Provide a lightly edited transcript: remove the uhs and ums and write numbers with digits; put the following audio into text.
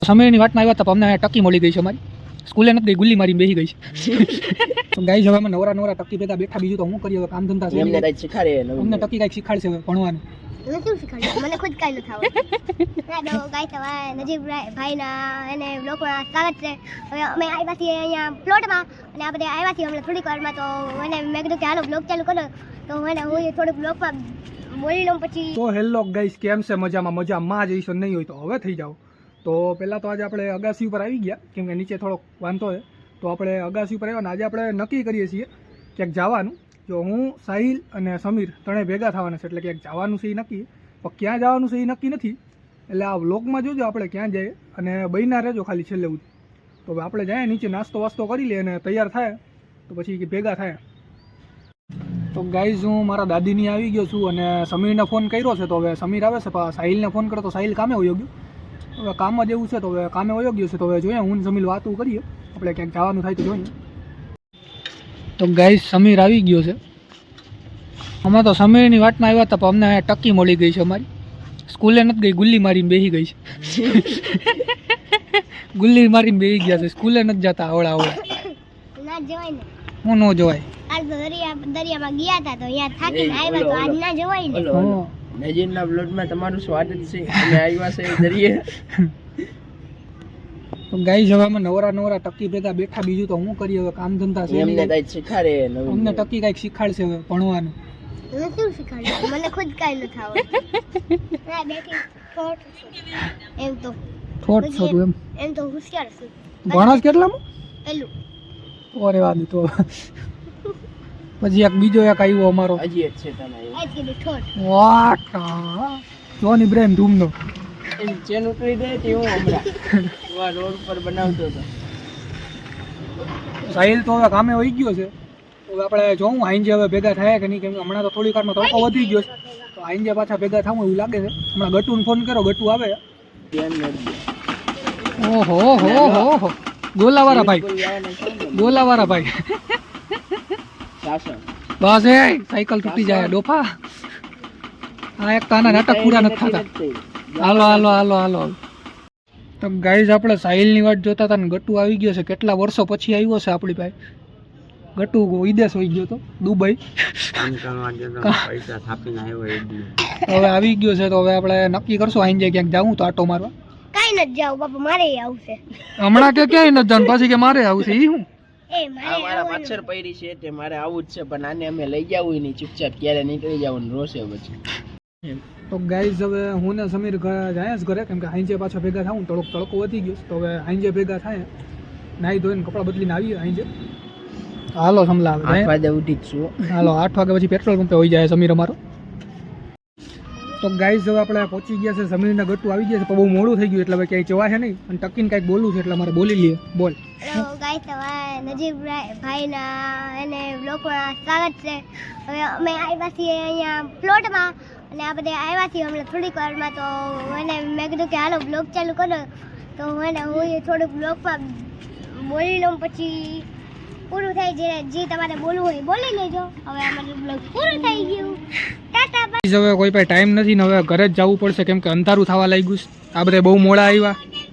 સમયની વાતમાં આવ્યા હતા અમને ટકી મળી ગઈ છે અમારી સ્કૂલે નથી ગઈ ગુલ્લી મારી બેસી ગઈ છે તો ગાઈસ હવે અમે નવરા ટકી ભેગા બેઠા બીજું તો હું કરીએ હવે કામ ધંધા છે અમને કંઈક શીખવાડે અમને ટકી કંઈક શીખવાડશે હવે ભણવાનું શું શીખવાડ્યું મને ખુદ કાંઈ નથી આવડતું ના ગાઈસ હવે નજીબ ભાઈના એને બ્લોગમાં સ્વાગત છે હવે અમે આવ્યા છીએ અહીંયા પ્લોટમાં અને આ બધા આવ્યા છીએ હમણાં થોડીક વારમાં તો એને મેં કીધું કે હાલો બ્લોગ ચાલુ કરો તો એને હું થોડુંક બ્લોગમાં બોલી લઉં પછી તો હેલો ગાઈસ કેમ છે મજામાં જઈશું નહીં હોય તો હવે થઈ જાઓ તો પહેલાં તો આજે આપણે અગાસી ઉપર આવી ગયા કેમ કે નીચે થોડોક વાંધો છે તો આપણે અગાસી ઉપર આવ્યા ને આજે આપણે નક્કી કરીએ છીએ ક્યાંક જવાનું જો હું સાહિલ અને સમીર ત્રણેય ભેગા થવાના છે એટલે ક્યાંક જવાનું છે એ નક્કી પણ ક્યાં જવાનું છે એ નક્કી નથી એટલે આ વ્લોગમાં જોજો આપણે ક્યાં જઈએ અને બહીના રહેજો ખાલી છેલ્લે સુધી તો હવે આપણે જાય નીચે નાસ્તો વાસ્તો કરી લઈએ અને તૈયાર થાય તો પછી ભેગા થાય તો ગાઈઝ હું મારા દાદીની આવી ગયો છું અને સમીરને ફોન કર્યો છે તો હવે સમીર આવે છે પણ સાહિલને ફોન કર્યો તો સાહિલ કામે વયો ગયો હવે કામમાં જેવું છે તો હવે કામે વયો ગયો છે તો હવે જોઈએ હું સમીર વાતું કરીએ આપણે ક્યાંક જવાનું થાય તો જોઈએ તો ગાઈઝ સમીર આવી ગયો છે અમે તો સમીરની વાતમાં આવ્યા હતા પણ અમને ટકી મળી ગઈ છે અમારી સ્કૂલે નથી ગઈ ગુલ્લી મારીને બેસી ગઈ છે ગુલ્લી મારીને બેસી ગયા છે સ્કૂલે નથી જતા આવડા ના જવાય ને હું ન જવાય આજ તો દરિયામાં ગયા હતા તો અહીંયા થાકીને આવ્યા તો આજ ના જવાય ને નજીરના બ્લોગમાં તમારું સ્વાગત છે અમે આવ્યા છે દરિયે તો ગાઈઝ હવે અમે નવરા ટકી ભેગા બેઠા બીજું તો હું કરીએ હવે કામ ધંધા છે અમને કંઈક શીખવાડે અમને ટકી કંઈક શીખવાડશે હવે ભણવાનું શું શીખવાડ્યું મને ખુદ કાંઈ નથી આવડતું ના બેઠી થોટ એમ તો થોટ છો તું એમ તો હોશિયાર છું ભણસ કેટલામાં પેલું ઓરે વાદી તો પછી એક બીજો એક આવ્યો અમારો હજી એક છે તમે આજ કીધું થોટ વાહ જોન ઇબ્રાહિમ ધૂમનો એની ચેન ઉતરી દે તે હું હમણાં રોડ પર બનાવતો હતો સાહિલ તો હવે કામે વહી ગયો છે હવે આપણે જોઉં આઈંજે હવે ભેગા થાય કે નહીં કેમ કે હમણાં તો થોડી વારમાં તડકો વધી ગયો છે તો આઈંજે પાછા ભેગા થવું એવું લાગે છે હમણાં ગટુને ફોન કરો ગટુ આવે ધ્યાન નથી ઓહો ગોલાવાળા ભાઈ શાસન બસ એ સાયકલ તૂટી જાય ડોફા આ એક તાના નાટક પૂરા નથી થતા હાલો તો ગાઈઝ આપણે સાહિલની વાટ જોતા હતા ને ગટુ આવી ગયો છે કેટલા વર્ષો પછી આવ્યો છે આપણી પાસે ગટુ વિદેશ હોઈ ગયો તો દુબઈ હવે આવી ગયો છે તો હવે આપણે નક્કી કરશું આઈને જાય ક્યાંક જાવું તો આટો મારવા કાંઈ નથી જાવ બાપા મારે આવશે હમણાં કે ક્યાંય નથી જવાનું પછી કે મારે આવશે એ હું એ મારા પાછળ પૈરી છે તે મારે આવું જ છે પણ આને અમે લઈ જવું નહીં ચૂપચાપ ક્યારે નીકળી જવાનું રોશે પછી તો ગાઈઝ હવે હું ને સમીર જાય જ ઘરે કેમ કે હાઈજે પાછા ભેગા થાવું થોડોક તડકો વધી ગયો તો હવે હાઈજે ભેગા થાય નાહી ધોઈને કપડાં બદલીને આવીએ હાઈજે હાલો સમલા 8 વાગે ઉઠી જ છું હાલો 8 વાગે પછી પેટ્રોલ પંપે હોઈ જાય સમીર અમારો તો ગાઈઝ હવે આપણે પહોંચી ગયા છે સમીરના ગટુ આવી ગયા છે પણ બહુ મોડું થઈ ગયું એટલે હવે ક્યાંય જવા છે નહીં અને ટકીને કાંઈક બોલવું છે એટલે મારે બોલી લઈએ બોલ ગાઈસ હવે નજીબ ભાઈના એને બ્લોગમાં સ્વાગત છે હવે અમે આવ્યા છીએ અહીંયા પ્લોટમાં અને આ બધા આવ્યા છીએ હમણાં થોડીક વારમાં તો એને મેં કીધું કે હાલો બ્લોગ ચાલુ કરો તો એને હું થોડુંક બ્લોગમાં બોલી લઉં પછી પૂરું થાય જે તમારે બોલવું હોય બોલી લેજો હવે અમારું બ્લોગ પૂરું થઈ ગયું ટાટા બાય હવે કોઈ પાસે ટાઈમ નથી ને હવે ઘરે જ જવું પડશે કેમ કે અંધારું થવા લાગ્યું આ બધા બહુ મોડા આવ્યા